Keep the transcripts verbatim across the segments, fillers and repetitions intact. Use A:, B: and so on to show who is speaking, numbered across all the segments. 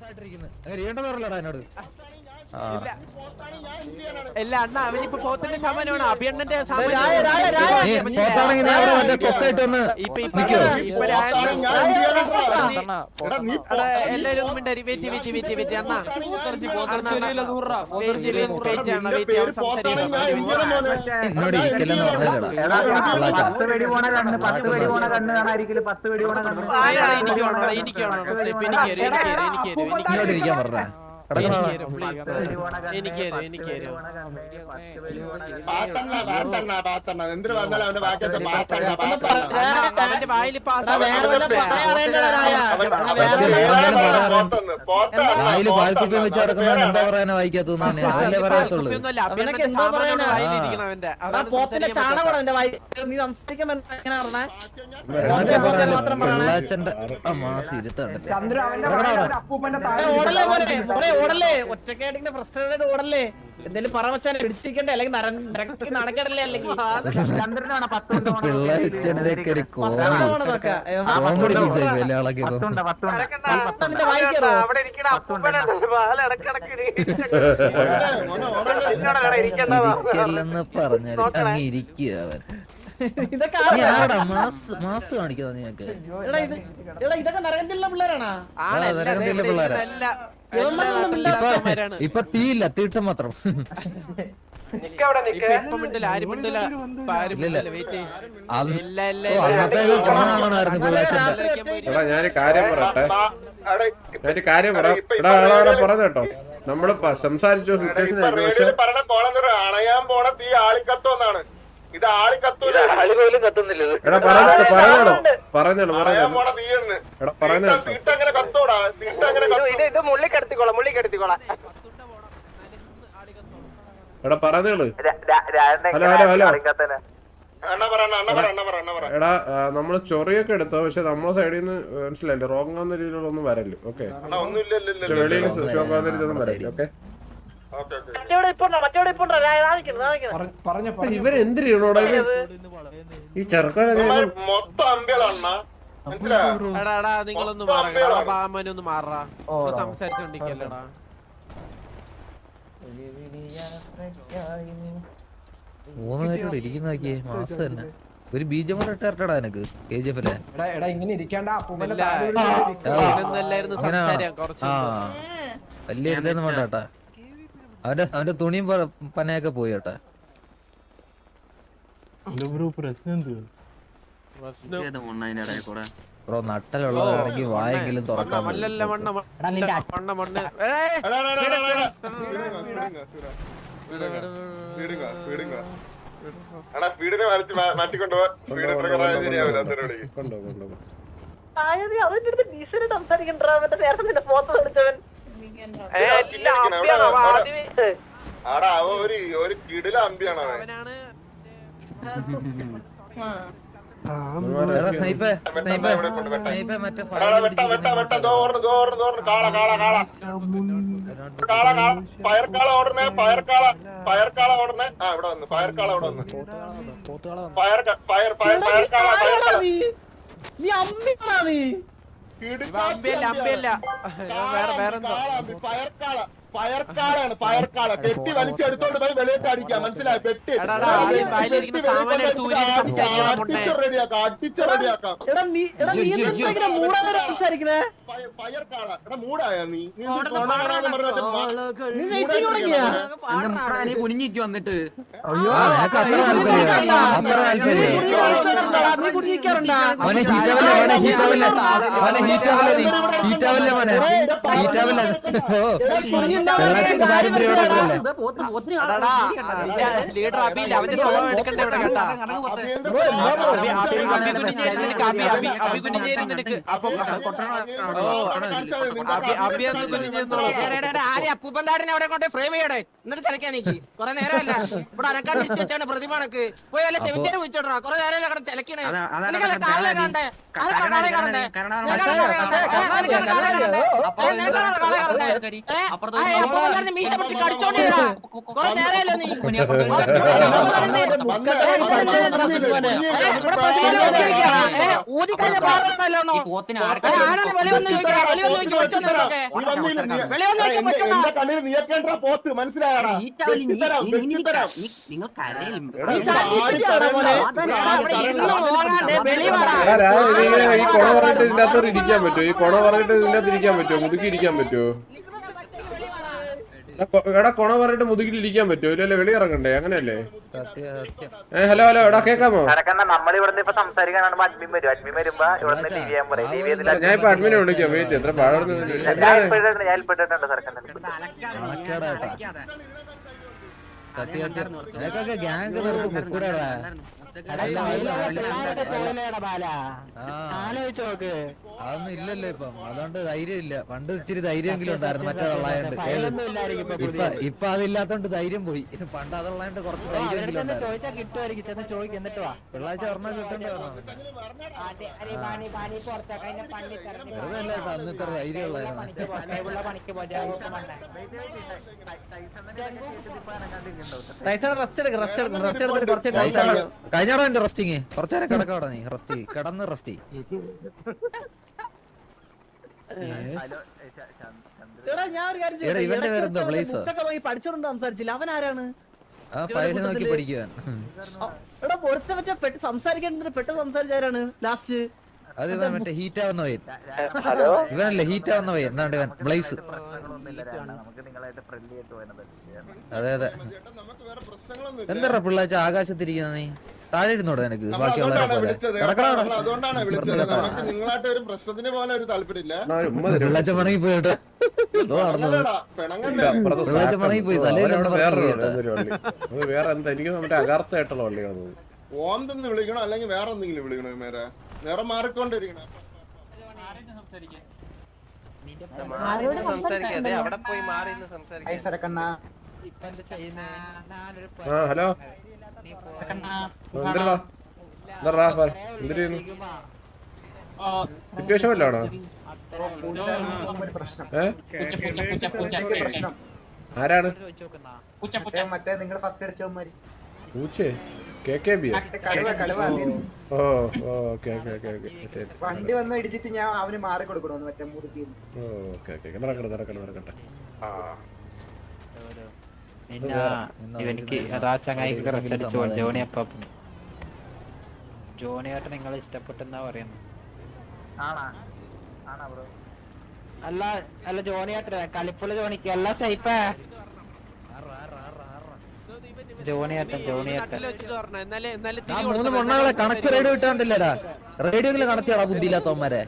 A: ഇല്ല അണ്ണ അവനിപ്പോ പോത്തിന്റെ സാമാനമാണ് അഭിയണ്ണന്റെ എല്ലാരും ഒന്നും മിണ്ടായി വെയിറ്റ് വെയിറ്റ് വെയിറ്റ് വെയിറ്റ് അണ്ണ എനിക്ക് വേണോ എനിക്ക് വേണോ സ്റ്റെപ്പ് എനിക്ക് എനിക്ക് എനിക്ക് എനിക്ക് പറഞ്ഞ എനിക്ക് എനിക്ക് അവന്റെ വായിൽ
B: പാൽക്കുപ്പിയും വെച്ച് നടക്കുന്ന എന്താ പറയാനാ വായിക്കാത്തല്ലേ പറയത്തുള്ളൂ. പിള്ളാച്ചന്റെ മാസം ഇരുത്തണ്ടല്ലേ
C: ഓടല്ലേ ഒറ്റക്കായിട്ട് ഫ്രസ്ട്രേറ്റഡ് ഓടല്ലേ എന്തേലും പറ വെച്ചാൽ പിടിച്ചിരിക്കണ്ടേ അല്ലെങ്കിൽ നടക്കണ്ടല്ലേ അല്ലെങ്കിൽ
B: ഇരിക്കല്ലെന്ന് പറഞ്ഞാൽ അങ്ങ് ഇരിക്കുക അവൻ. മാസ് കാണിക്കുന്ന നിങ്ങക്ക്
C: ഇതൊക്കെ നരകത്തിലുള്ള പിള്ളേരാണോ?
B: നരകത്തിലുള്ള പിള്ളേരാ. ഇപ്പൊ തീയില്ല തീട്ടം മാത്രം.
D: ഞാനൊരു കാര്യം പറയട്ടെ ഞാനൊരു കാര്യം പറയാം പറഞ്ഞു കേട്ടോ. നമ്മള് സംസാരിച്ചു
E: അണയാൻ പോണ തീ ആളിക്കത്തോന്നാണ്. ഇത് ആളി കത്തൂല
D: പറഞ്ഞോളൂ പറഞ്ഞോളൂ
E: തീട്ടങ്ങനെ കത്തോടാ തീട്ടങ്ങനെ
A: ഇത് മുള്ളിക്കെടുത്തിക്കോളാം മുള്ളിക്കെടുത്തിക്കോളാം
D: എടാ പറഞ്ഞോളൂ. ഹലോ ഹലോ ഹലോ എടാ നമ്മള് ചൊറിയൊക്കെ എടുത്തോ പക്ഷെ നമ്മളെ സൈഡിൽ നിന്ന് മനസ്സിലായില്ലേ റോങ് ആവുന്ന രീതിയിലുള്ള ഒന്നും വരല്ലോ. ഓക്കെ വെളിയിൽ ഷോക്കാവുന്ന രീതിയിലൊന്നും വരല്ലോ. ഓക്കെ ഇവരെന്തിനോടാ ഈ ചെറുക്കനെ
A: നിങ്ങളൊന്ന് മാറാമനൊന്ന് മാറാ സംസാരിച്ചോണ്ടിരിക്കല്ലടാ.
B: മൂന്ന് പേരോട് ഇരിക്കുന്ന നോക്കിയേ മാസം തന്നെ ഒരു ബീജം കൂടെ ഇട്ടാ എനക്ക് കെ ജി എഫ് അല്ലേ വലിയ ഇതൊന്നും വേണ്ട കേട്ടാ. അവന്റെ അവന്റെ തുണിയും പനയൊക്കെ പോയി കേട്ടാ. ബ്രോ നട്ടലുള്ളതാണെങ്കിൽ വായെങ്കിലും തുറക്കാൻ
E: ആടാ അവ ഒരു ഒരു കിടില അമ്പിയാണ് അവനാണ്. പയർക്കാള ഓടണേ പയർക്കാള പയർക്കാള ഓടണേ. ആ ഇവിടെ വന്നു പയർക്കാള അവിടെ വന്നു പയർ പയർ പയർ പയർക്കാള പയർക്കാള പയർക്കാളാണ് പയർക്കാള. പെട്ടി വലിച്ചെടുത്തോണ്ട് പോയി വെളിയിട്ട് അടിക്കാം മനസ്സിലായി. പെട്ടി റെഡിയാക്കാം അടിച്ച് റെഡിയാക്കാം. പയർക്കാള എടാ മൂടായ നീ
F: കുനിഞ്ഞിട്ട് വന്നിട്ട്
A: ലീഡർ അബിയില്ല അവന്റെ സ്വഭാവം എടുക്കണ്ടേ ഇവിടെ കേട്ടാ. അബി കുഞ്ഞേരും നിനക്ക്
F: അപ്പൂപ്പന്താരനെ അവിടെ കൊണ്ട് ഫ്രെയിം ചെയ്യടേ എന്നിട്ട് തിരക്കാൻ നീക്കി കൊറേ നേരമല്ല ഇവിടെ അനക്കാണ്ട് ഇരിച്ചു വെച്ചാണ് പ്രതിമാണക്ക് പോയി വല്ല സെമിത്തേരി വിളിച്ചോടാ കൊറേ നേരം അവിടെ ചിലക്കണേ കാളെ കാണണ്ടേ കാളെ കാണണ്ടേ അപ്പോഴാണ് മീശ പിടിച്ച് കടിച്ചോണ്ടിരുന്നാ. കുറെ നേരമല്ലോ നീ. ഇവിടെ പ്രതിമ നോക്കിയിരിക്കുകയാ. ഏ, ഊതിക്കഴിഞ്ഞ പാറന്നല്ലോ. ആരാണ് വെളിവന്ന് ചോദിക്കണേ? വെളിവന്ന് ചോദിക്കും പറ്റുന്നവരൊക്കെ. വെളിവന്ന് ചോദിക്കാൻ പറ്റുന്ന
E: എന്റെ കണ്ണിൽ നീക്കേണ്ട പോത്ത് മനസ്സിലായടാ.
G: നിങ്ങൾ കരയിലും
D: എടാ, രാ, ഇതിങ്ങനെ ഈ കൊണ പറഞ്ഞിട്ട് ഇതിന്റെ അകത്ത് ഇരിക്കാൻ പറ്റുമോ? ഈ കൊണ പറഞ്ഞിട്ട് ഇതിന്റെ അകത്ത് ഇരിക്കാൻ പറ്റുമോ? മുതുക്കി ഇരിക്കാൻ പറ്റുമോ? എടാ, കൊ- എടാ കൊണ പറഞ്ഞിട്ട് മുതുകിൽ ഇരിക്കാൻ പറ്റുമോ? ഇല്ലല്ലേ, വെളി ഇറങ്ങണ്ടേ? അങ്ങനെയല്ലേ?
B: സത്യം സത്യം
D: ഏ ഹലോ ഹലോ, എടാ കേക്കാമോ?
H: നമ്മൾ ഇവിടെ ഇപ്പൊ സംസാരിക്കാനാണ് അഡ്മിൻ വരും. അഡ്മിൻ വരുമ്പോ ഇവിടെ ടി വി ചെയ്യാൻ പറയും. ടി വി
D: ഞാൻ ഇപ്പൊ അഡ്മിനെ വിളിക്കാം. വെയിറ്റ്, എത്ര പാടുന്നു എന്തിനാണ്?
H: ഞാൻ ഏൽപ്പെട്ടിട്ടുണ്ട് സർക്കാരിന്റെ
B: സത്യം സത്യം നിനക്കൊക്കെ ഗ്യാങ് നിർത്തി മുക്കൂടാ.
C: ആലോചിച്ച് നോക്ക്.
B: അതൊന്നും ഇല്ലല്ലോ ഇപ്പം. അതുകൊണ്ട് ധൈര്യം ഇല്ല. പണ്ട് ഇച്ചിരി ധൈര്യമെങ്കിലും ഉണ്ടായിരുന്നു മറ്റേ തള്ളായോണ്ട്. ഇപ്പൊ ഇപ്പൊ അതില്ലാത്തോണ്ട് ധൈര്യം പോയി. പണ്ട് അതുള്ളായോണ്ട് കുറച്ച് ധൈര്യമെങ്കിലും ഉണ്ടായിരുന്നു.
C: ചോദിച്ചാ കിട്ടുമായിരിക്കും. ചെന്ന് ചോദിക്കും എന്നിട്ട് വാ.
B: പിള്ളാഴ്ച ഒരെണ്ണം കിട്ടണ്ടേ പറഞ്ഞു. വെറുതെ അല്ല കേട്ടോ, അന്ന് ഇത്ര ധൈര്യം ഉള്ളായിരുന്നു.
C: റെസ്റ്റ് എടുക്കും റെസ്റ്റ് എടുക്കും റെസ്റ്റ് എടുത്തിട്ട് കുറച്ച് ടൈം ആയി.
B: കഴിഞ്ഞോടാ എന്റെ റെസ്റ്റിങ്. കുറച്ചേരം കിടക്കോടാ നീ. റെസ്റ്റ് കിടന്ന് റെസ്റ്റ്.
C: എടാ ഞാൻ ഒരു കാര്യം
B: എടാ, ഇവന്റെ പേരെന്തോ? പ്ലേസോ?
C: പഠിച്ചോണ്ട് സംസാരിച്ചില്ല. അവൻ ആരാണ്?
B: ആ ഫയൽ നോക്കി പഠിക്കുവാൻ.
C: എടാ ഒരുത്ത പറ്റ പെട്ട് സംസാരിക്കേണ്ടത് പെട്ടെന്ന് സംസാരിച്ചാരാണ് ലാസ്റ്റ്?
B: അത് ഇവൻ മറ്റേ ഹീറ്റ് ആവുന്ന പയ്യൻ. ഇവനല്ലേ ഹീറ്റ് ആവുന്ന പയ്യൻ. എന്താണ്ട് ഇവൻ ബ്ലേസ്. അതെ അതെ. എന്താ പിള്ളാച്ച ആകാശത്തിരിക്കുന്ന നീ? താഴെ ഇരുന്നോടെ നിനക്ക് ബാക്കിയുള്ളവരെ പോലെ.
E: അതുകൊണ്ടാണ് വിളിച്ചത്. നമുക്ക് നിങ്ങളായിട്ട് ഒരു പ്രശ്നത്തിന് പോലെ ഒരു താല്പര്യമില്ല.
B: പിള്ളാച്ച പണങ്ങി പോയിട്ട് പിള്ളാച്ച പണങ്ങി പോയി. തലയിലൊന്നും
D: വേറെ എന്താ? എനിക്ക് മറ്റേ അകാർത്തായിട്ടുള്ള വള്ളിയാണ്.
E: ഓം തന്നെ വിളിക്കണോ അല്ലെങ്കിൽ വേറെ എന്തെങ്കിലും വിളിക്കണോ? മേരെ നേരെ മാറിക്കൊണ്ടിരിക്കണം.
A: സംസാരിക്കാതെ അവിടെ പോയി മാറി സംസാരിക്കാം.
D: ആ ഹലോ, എന്തിനാ എന്താ എന്തിനു ചെയ്യുന്നു? സിറ്റുവേഷൻ വല്ലാണോ? ഏ ആരാണ്?
G: മറ്റേ നിങ്ങൾ ഫസ്റ്റ് അടിച്ചവന്മാര്
D: പൂച്ചേ K K B? Oh okay okay okay okay.
G: വണ്ടി വന്ന് ഇടിച്ചിട്ട് ഞാൻ അവന് മാറി കൊടുക്കണോന്ന് മറ്റേ മുറുക്കി.
D: Oh okay okay. നടക്കട്ടെ നടക്കട്ടെ നടക്കട്ടെ.
I: ഇവനിക്ക് അതാ ചങ്ങായിക്ക് റെസ്റ്റ് അടിച്ചു. ജോണി അപ്പം ജോണിയായിട്ട് നിങ്ങൾ ഇഷ്ടപ്പെട്ടെന്നാ പറയുന്നത്. അല്ല അല്ല ജോണിയായിട്ട് കളിപ്പുള്ള ജോണിക്ക് അല്ല സൈപ്പേ. ജോണിയാട്ടൻ ജോണിയാട്ടൻ
B: ആ മൂന്ന് മണ്ണകളെ കണക്ട് റേഡിയോ ഇട്ടാണ്ടില്ലടാ. റേഡിയോയില് കണക്ട് ചെയ്യടാ ബുദ്ധിയില്ലാത്തവന്മാരെ.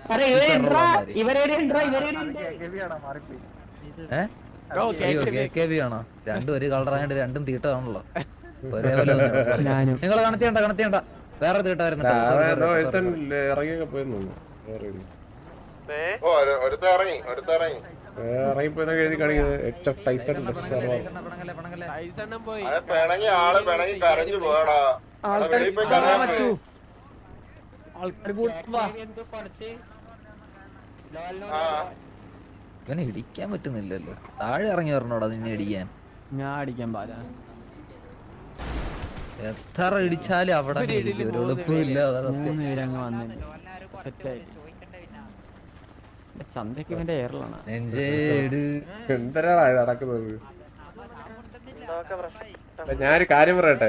B: ആണോ? രണ്ടും ഒരു കളറായോണ്ട് രണ്ടും തീട്ടാണല്ലോ. ഒരേപോലെ നിങ്ങൾ കണക്ട് ചെയ്യണ്ട കണക്ട് ചെയ്യണ്ട. വേറെ തീട്ടായിരുന്നു.
D: ഇറങ്ങിയൊക്കെ പോയെന്ന് തോന്നുന്നു.
E: ഓ ഒരുത്ത ഇറങ്ങി ഒരുത്ത ഇറങ്ങി
D: ഇറങ്ങിപ്പോയി എഴുതി കാണിക്കുന്നത്.
E: പിണങ്ങി ആള് പിണങ്ങി കരഞ്ഞു പോയടാ.
B: ഇവനെ ഇടിക്കാൻ പറ്റുന്നില്ലല്ലോ. താഴെ ഇറങ്ങി വരണോടാ നിന്നെ ഇടിക്കാൻ.
I: ഞാൻ അടിക്കാൻ പാല
B: എത്ര ഇടിച്ചാലും അവിടെ ഒരു ഉടുപ്പില്ല.
I: മൂന്ന് പേരങ്ങ് വന്നു സെറ്റായി. ചന്തയ്ക്ക് ഇവന്റെ എയറിലാണ്.
D: എന്തരാടാ ഇത് നടക്കുന്നത്? ഞാനൊരു കാര്യം പറയട്ടെ.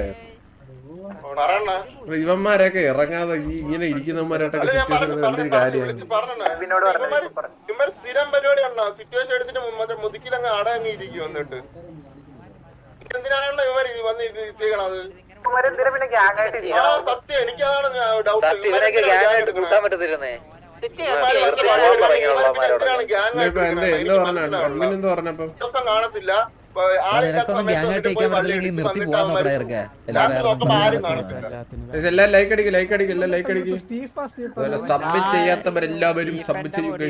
D: ഇവന്മാരൊക്കെ ഇറങ്ങാതെ ഈ ഇങ്ങനെ ഇരിക്കുന്നവന്മാരായിട്ടൊക്കെ സിറ്റുവേഷൻ എന്തൊരു കാര്യമാണ്.
E: സ്ഥിരം പരിപാടിയാണോ? സിറ്റുവേഷൻ എടുത്തിട്ട് മറ്റേ മുതുക്കിലങ്ങ് അടങ്ങി ഇരിക്കും. എന്നിട്ട് എന്തിനാണോ ഇവർ വന്ന് ചെയ്യണത്? സത്യം എനിക്കതാണ് ഡൗട്ട്. കാണത്തില്ല.
D: എല്ലാം ലൈക്ക് അടിക്കും ലൈക്ക് അടിക്കും എല്ലാം ലൈക്ക് അടിക്കും. സബ് ചെയ്യാത്തവരെല്ലാവരും സബ് ചെയ്യുക.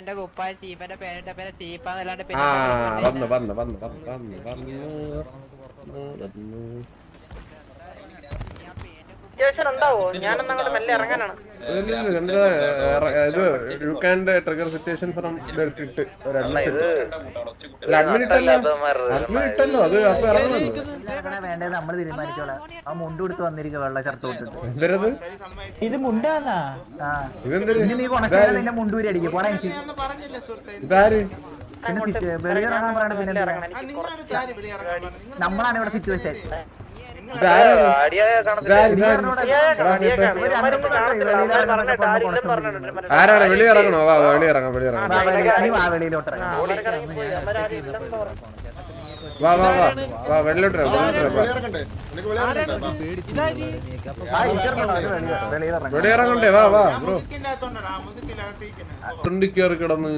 D: ആ വന്ന് വന്ന് വന്ന് വന്ന് വന്ന് വന്നു.
F: സിറ്റുവേഷൻ ഉണ്ടാവോ? ഞാനൊന്നും അങ്ങോട്ട് മെല്ലെ ഇറങ്ങാനാണ്.
D: ഇത് you can trigger situation from ഇട്ട് അഡ്മിൻ ഇട്ടല്ലോ അഡ്മിൻ ഇട്ടല്ലോ അത് അപ്പൊ ഇറങ്ങുന്നുണ്ട്.
I: വേണ്ടത് നമ്മള് തീരുമാനിച്ചോളാം. ആ മുണ്ട് കൊടുത്ത് വന്നിരിക്കുക വെള്ള ഷർട്ട് കൊടുത്തിട്ട്.
D: എന്തരത്
I: ഇത് മുണ്ടാന്നാ?
D: ഇതെന്തൊരു
I: നീ കൊണക്കാതെ നിന്നെ മുണ്ടൂരി അടിക്കും. പോടാ എനിക്ക്
D: ഇതാര്
I: പിന്നെ വെളിയിറങ്ങാൻ പറയണ പിന്നെ നമ്മളാണ് ഇവിടെ സിറ്റുവേഷൻ.
D: ആരാണ് വെളിയിറങ്ങണോ? വാ വെളിയിറങ്ങാം വെളിയിറങ്ങാം
I: വെളിയിലോട്ട്
D: വാ വാ വാ വാ വെള്ളിലോട്ട് വെളിയിറങ്ങണ്ടേ? വാ വാ ബ്രോ കയറി കിടന്ന്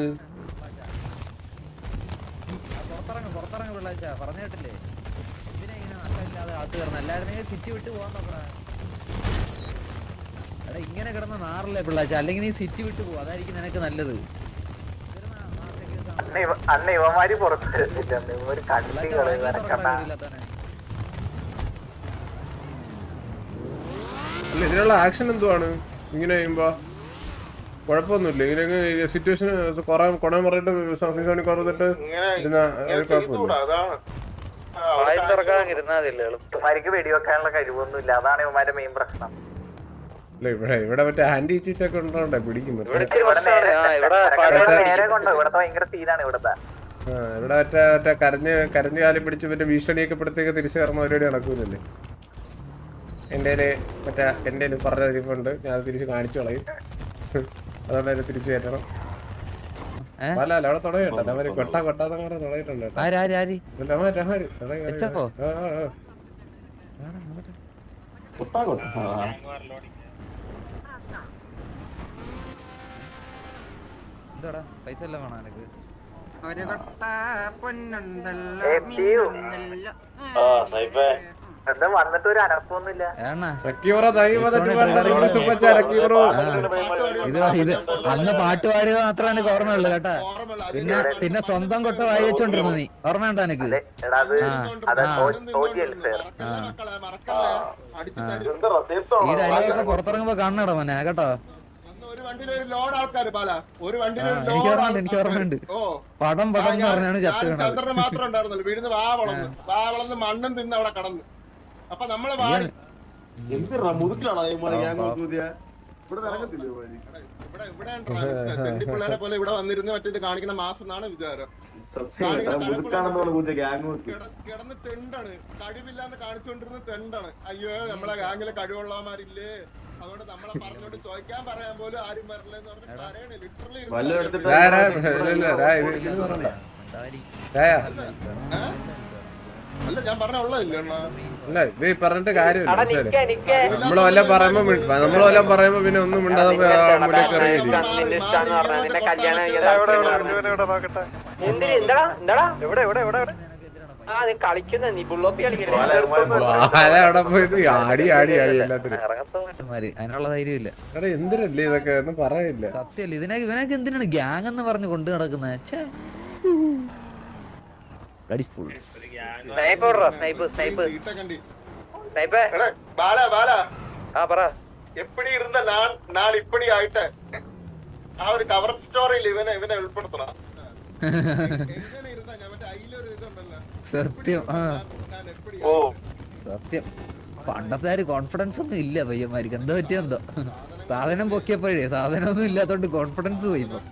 B: പുറത്തിറങ്ങി പിള്ളേച്ച പറഞ്ഞു കേട്ടില്ലേ? ഇതിനെ ഇങ്ങനെ നട്ടമില്ലാതെ അകത്ത് കയറണം. എല്ലാവരും സിറ്റി വിട്ട് പോകാൻ നോക്കണേ. എടാ ഇങ്ങനെ കിടന്ന നാറില്ലേ പിള്ളേച്ച? അല്ലെങ്കിൽ നീ സിറ്റി വിട്ട് പോകും, അതായിരിക്കും നിനക്ക് നല്ലത്.
H: അന്ന ഇവന്മാര് പുറത്ത്
D: അല്ല ഇതിനുള്ള ആക്ഷൻ എന്തുവാണ് ഇങ്ങനെ ചെയ്യുമ്പോ? കുഴപ്പമൊന്നുമില്ല. ഇങ്ങനെ സിറ്റുവേഷൻ കൊറേ കൊണ പറഞ്ഞിട്ട് സീസണിൽ കുറഞ്ഞിട്ട്
H: ഇവന്മാർക്ക് വെടിവെക്കാനുള്ള കഴിവൊന്നുമില്ല. അതാണ് ഇവന്മാരുടെ മെയിൻ പ്രശ്നം.
D: ഇവിടെ ഇവിടെ മറ്റേ ആന്റി ചീറ്റ് ഒക്കെ ഉണ്ടോണ്ടേ പിടിക്കും.
H: നേരെ കൊണ്ടോ ഇവിടത്തെ ഭയങ്കര സീനാണ് ഇവിടത്തെ.
D: ഇവിടെ മറ്റേ മറ്റേ കരഞ്ഞ് കരഞ്ഞ് കാലം പിടിച്ച് മറ്റേ ഭീഷണിയൊക്കെ പെടുത്തേക്ക് തിരിച്ചു കയറുന്ന പരിപാടി നടക്കൂലല്ലേ? എൻ്റെ മറ്റേ എൻ്റെ പറഞ്ഞ തിരിപ്പുണ്ട്, ഞാൻ തിരിച്ച് കാണിച്ചു കളയും. അതുകൊണ്ട് അതിനെ തിരിച്ചു കയറ്റണം. അല്ല അല്ല അവിടെ തുടങ്ങിട്ടോ അവര് കൊട്ടാ കൊട്ടാന്നങ്ങനെ തുടങ്ങിയിട്ടുണ്ട്.
B: എന്താടാ പൈസ എല്ലാം വേണം എനിക്ക്?
F: ഒരു കൊട്ട പൊന്നുണ്ടല്ലോ.
H: എന്താ വന്നിട്ട് ഒരു അനക്കൊന്നുമില്ല.
B: ഇത് ഇത് അന്ന് പാട്ട് പാടിയത് മാത്രമാണ് എനിക്ക് ഓർമ്മയുള്ളൂ കേട്ടാ. പിന്നെ പിന്നെ സ്വന്തം കൊട്ട വായി വെച്ചോണ്ടിരുന്നു നീ, ഓർമ്മയുണ്ടോ എനിക്ക്? ഈ ഡയലോഗൊക്കെ പുറത്തിറങ്ങുമ്പോ കാണണടാ മോനെ കേട്ടോ. എനിക്ക് ഓർമ്മയുണ്ട് എനിക്ക് ഓർമ്മയുണ്ട് പടം പടം എന്ന് പറഞ്ഞാണ് ചന്ദ്രന്
E: മാത്രം ഉണ്ടായിരുന്നല്ലോ വീടിന്ന് വാ വളർന്ന് വാ വളർന്ന് മണ്ണും തിന്ന് അവിടെ കടന്നു. അപ്പൊ നമ്മള് പിള്ളേരെ പോലെ ഇവിടെ വന്നിരുന്ന് മറ്റേത് കാണിക്കണ മാസം എന്നാണ് വിചാരം. കിടന്ന് തെണ്ടാണ്, കഴിവില്ലാന്ന് കാണിച്ചുകൊണ്ടിരുന്ന തെണ്ടാണ്. അയ്യോ നമ്മളെ ഗാങ്ങിലെ കഴിവുള്ളമാരില്ലേ, അതുകൊണ്ട് നമ്മളെ പറഞ്ഞോണ്ട് ചോദിക്കാൻ പറയാൻ പോലും ആരും വരില്ലെന്ന് പറഞ്ഞ് പറയണേ. ലിറ്ററലി അല്ല ഞാൻ പറഞ്ഞ ഉള്ളതല്ലേ
D: അല്ല ഇത് പറഞ്ഞിട്ട് കാര്യമില്ല. നമ്മള് വല്ലതും പറയുമ്പോ നമ്മള് വല്ലതും പറയുമ്പോ പിന്നെ ഒന്നും മിണ്ടാതെ മുന്നേക്ക് ഇറങ്ങിയില്ല. അവിടെ പോയത് ആടി ആടി ആടി എല്ലാത്തിനും
B: അതിനുള്ള ധൈര്യമില്ല.
D: എടാ എന്തിനല്ലേ ഇതൊക്കെ ഒന്നും പറയില്ല.
B: സത്യല്ല ഇതിനൊക്കെ ഇവനൊക്കെ എന്തിനാണ് ഗ്യാങ് എന്ന് പറഞ്ഞ് കൊണ്ട് നടക്കുന്നത്?
E: എപ്പടി ഇരുന്ന നാൾ ഇപ്പടി ആയിട്ട് ആ ഒരു കവർ സ്റ്റോറിയിൽ ഇവനെ ഇവനെ ഉൾപ്പെടുത്തണം.
B: സത്യം ഓ സത്യം പണ്ടത്തെ കോൺഫിഡൻസ് ഒന്നും ഇല്ല പയ്യന്മാർക്ക്. എന്താ പറ്റിയോ എന്തോ സാധനം പൊക്കിയപ്പോഴേ സാധനം ഒന്നും ഇല്ലാത്തോണ്ട് കോൺഫിഡൻസ് പോയി ഇപ്പൊ.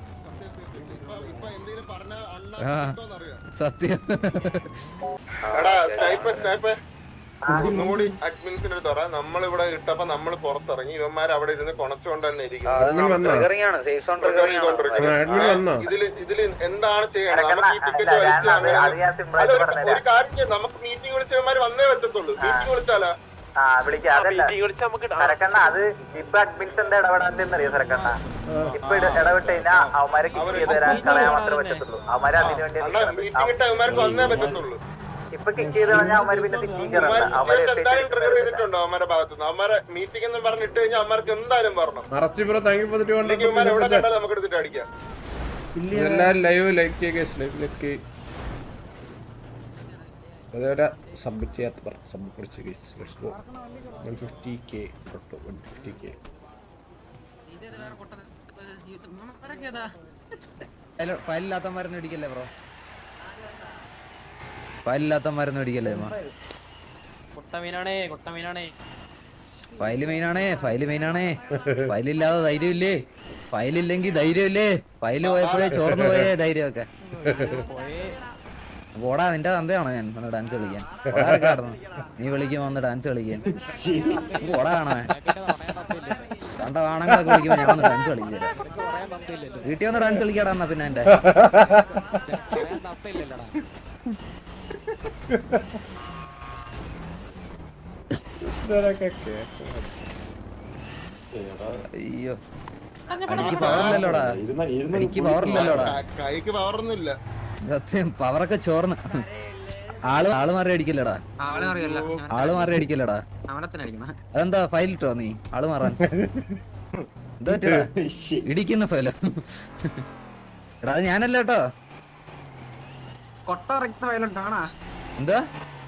B: ആ സത്യം.
E: ഒന്നുകൂടി അഡ്മിൻസിന്റെ തുറ നമ്മളിവിടെ ഇട്ടപ്പോ നമ്മള് പുറത്തിറങ്ങി ഇവന്മാർ അവിടെ ഇരുന്ന് കൊണച്ചുകൊണ്ട് തന്നെ ഇരിക്കും. ഇതില് ഇതില് എന്താണ് ചെയ്യണത്? നമുക്ക് ഈ ടിക്കറ്റ് വലിച്ച് ഒരു കാര്യം നമുക്ക് മീറ്റിംഗ് വിളിച്ച ഇവന്മാര് വന്നേ പറ്റത്തുള്ളൂ. മീറ്റിംഗ് വിളിച്ചാലാ
H: സരക്കണ്ണ അത് ഇപ്പൊ അഡ്മിൻസിന്റെ ഇടപെടാന്നറിയോ സരക്കണ്ണ? ഇപ്പൊ ഇടപെട്ട് കഴിഞ്ഞാൽ അവന്മാരെ കിക്ക് ചെയ്ത് തരാൻ കളയാൻ മാത്രമേ പറ്റത്തുള്ളൂ. അവന്മാര് അതിനു വേണ്ടി ഇപ്പൊ കിക്ക് ചെയ്ത് കഴിഞ്ഞാൽ അവന്മാര് പിന്നെ
E: ചെയ്തിട്ടുണ്ടോ അവന്മാരെ ഭാഗത്തുനിന്ന്? അവന്മാരെ മീറ്റിംഗ് എന്ന് പറഞ്ഞിട്ട് കഴിഞ്ഞാൽ അവന്മാർക്ക് എന്തായാലും പറഞ്ഞു നമുക്ക് എടുത്തിട്ട് അടിക്കാം.
D: എല്ലാരും ലൈവ് ലൈക്ക് ചെയ്യുക. അതേപോലെ സബ്മിറ്റ് ചെയ്യാത്ത സബ്മിറ്റ് പിടിച്ച് guys let's go one fifty K തൊട്ട് വൺ ഫിഫ്റ്റി കെ
B: ഫയലില്ലാത്തമാരൊന്നും ഇടിക്കല്ലേ ബ്രോ, ഫയലില്ലാത്തമാരൊന്നും ഇടിക്കല്ലേ. ഫയല് മെയിനാണേ, ഫയല് മെയിനാണേ. ഫയലില്ലാതെ ധൈര്യമില്ലേ, ഫയലില്ലെങ്കിൽ ധൈര്യമില്ലേ. ഫയല് പോയപ്പോഴേ ചോർന്നു പോയേ ധൈര്യമൊക്കെ. ഓടാ നിന്റെ തന്തയാണോ ഞാൻ വന്ന് ഡാൻസ് കളിക്കാൻ? ഓടാറൊക്കെയായിരുന്നു നീ വിളിക്കുമ്പോ വന്ന് ഡാൻസ് കളിക്കാൻ. ഓടാ കാണാ കണ്ട ആണുങ്ങളൊക്കെ വിളിക്കുമ്പോ ഞാൻ വന്ന് ഡാൻസ് കളിക്കില്ല. വീട്ടിൽ വന്ന് ഡാൻസ് കളിക്കാടാ എന്നാ പിന്നെ എന്റെ അയ്യോ എനിക്ക് പവറില്ലല്ലോടാ, എനിക്ക് പവറില്ലല്ലോടാ.
E: കൈക്ക് പവറൊന്നുമില്ല.
B: സത്യം പവറൊക്കെ ചോർന്ന്. ആള് ആള് മാറി അടിക്കല്ലടാ, ആള് മാറി അടിക്കല്ലടാ. അതെന്താ ഫയൽ ഇട്ടോ നീ ആള് മാറാൻ? എന്താ പറ്റടാ ഇടിക്കുന്ന ഫയല? എടാ അത് ഞാനല്ല കേട്ടോ. എന്താ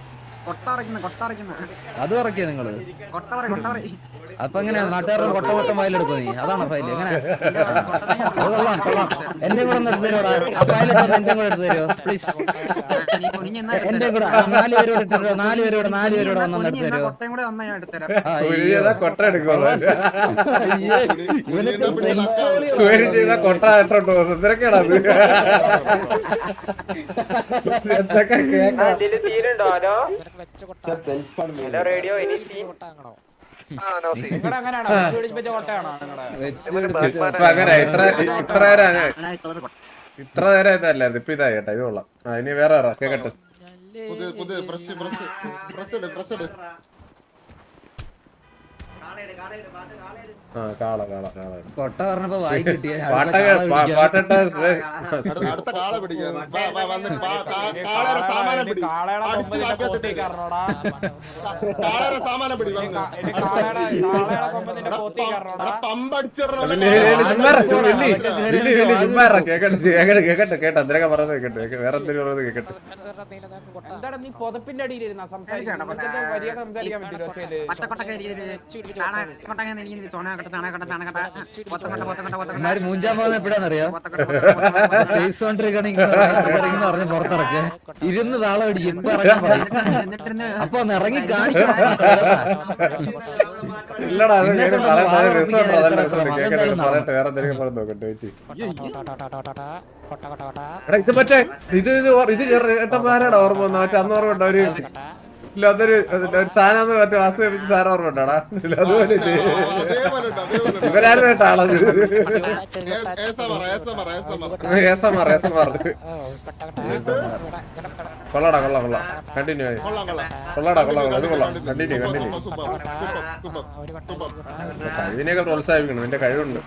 B: അത് ഉറക്കിയോ നിങ്ങള്? അപ്പൊ എങ്ങനെയാ നാട്ടുകാരുടെ കൊട്ട മൊത്തം ഫയലെടുക്കോ നീ? അതാണോ ഫയൽ? എങ്ങനെ? അത് കൊള്ളാം കൊള്ളാം. എന്റെ കൂടെ ഒന്ന് എടുത്തു തരുമോടാ ആ ഫയലിട്ടോ? എന്റെ കൂടെ എടുത്തു തരുമോ പ്ലീസ്? എന്റെ കൂടെ നാല് പേരോട് എടുത്തു തരുമോ? നാല് പേരോട് നാല് പേരോട് വന്നൊന്ന് എടുത്തു തരുമോ?
D: കൊട്ട എടുക്കോ? കൊട്ട ഇട്ടോ എന്തൊക്കെയാണോ എന്തൊക്കെ കേൾക്കാം.
H: റേഡിയോ
D: അങ്ങനെ ഇത്ര ഇത്ര നേരം ഇത്ര നേരം ഇതല്ലായിരുന്നു, ഇപ്പൊ ഇതായി കേട്ടോ. ഇത് കൊള്ളാം. ആ ഇനി വേറെ കേക്കട്ടെ.
E: പുതിയ പുതിയ ഫ്രഷ് ഫ്രഷ് ഫ്രഷ് ഇട് ഫ്രഷ് ഇട്.
D: ആ കാള കാള കാള
B: കൊട്ട പറഞ്ഞപ്പോ വായി കിട്ടിയ
D: പാട്ടിട്ട
E: അടുത്ത കാള പിടിക്കാൻ വാ, വാ, വന്ന് കാ- കാ- കാളയുടെ സാമാനം പിടി. അടിച്ച് കാപ്പിയത്തിട്ട് കാളയുടെ സാമാനം പിടി വന്ന്. എടാ, പമ്പടിച്ചിടണം.
D: കേക്കട്ടെ കേക്കട്ടെ കേട്ടോ എന്തിനൊക്കെ പറഞ്ഞത് കേക്കട്ടെ. വേറെ എന്തെങ്കിലും പറയുന്നത് കേക്കട്ടെ.
A: എന്താണ് നീ പുതപ്പിന്റെ അടിയിലിരുന്ന സംസാരിക്കാൻ സംസാരിക്കാൻ
B: എന്നാലും മൂഞ്ചാൻ പോകുന്ന എപ്പോഴാന്നറിയോ? സേഫ് സോണ്ടിരിക്കണെങ്കിൽ പറഞ്ഞ് പുറത്തിറക്കുക ഇരുന്ന് താളം അടിക്കും. ഇപ്പൊ ഇറങ്ങാൻ പറയും. അപ്പൊ ഒന്ന് ഇറങ്ങി കാണിക്കണം.
D: ഇല്ലടാ അത് രസമുണ്ടോ? അതല്ല കേക്കട്ടെ പറയട്ടെ. വേറെ എന്തെങ്കിലും പറഞ്ഞു നോക്കട്ടെ. എടാ ഇത് മറ്റേ ഇത് ഇത് ഇത് ഏട്ടന്മാരാണ് ഓർമ്മ വന്ന മറ്റേ അന്ന് ഓർമ്മ ഉണ്ടോ? ഒരു ഇല്ല അതൊരു ഒരു സാധനം മറ്റേ വാസ്തു വെപ്പിച്ച് സാധനം ഓർമ്മ ഉണ്ടോടാ? അതുപോലെ ഇവരായിരുന്നു കേട്ടോ ആളത്. ഏസമാർ ഏസമാർ കൊള്ളാടാ കൊള്ളാം കൊള്ളാം. കണ്ടിന്യൂ ആയി കൊള്ളാടാ കൊള്ളാം കൊള്ളാം. ഇത് കൊള്ളാം. Continue continue. കഴിവിനെയൊക്കെ പ്രോത്സാഹിപ്പിക്കണം. നിന്റെ കഴിവുണ്ട്.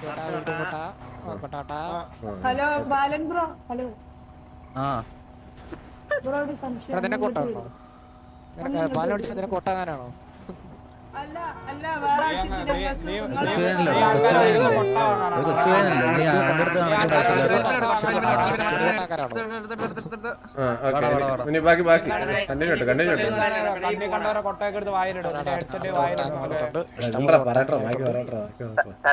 J: Hello Balan bro. ഹലോ
B: ആ
J: ബ്രോ ഒരു സംശയം.
I: കൊട്ടാകാനാണോ?
J: അല്ല അല്ല വേറെ ആഴ്ചക്ക്
B: കൊച്ചുവേനല്ലോ കൊച്ചുവേനല്ലോ നീ അവന്റെ അടുത്ത്
D: ഇനി ബാക്കി ബാക്കി കണ്ടിന്യൂ കണ്ടിന്യൂ
A: കണ്ടവരെ കൊട്ടയൊക്കെ എടുത്ത് വായിലിടും.
D: പറയട്ടോ ബാക്കി പറയട്ടോ.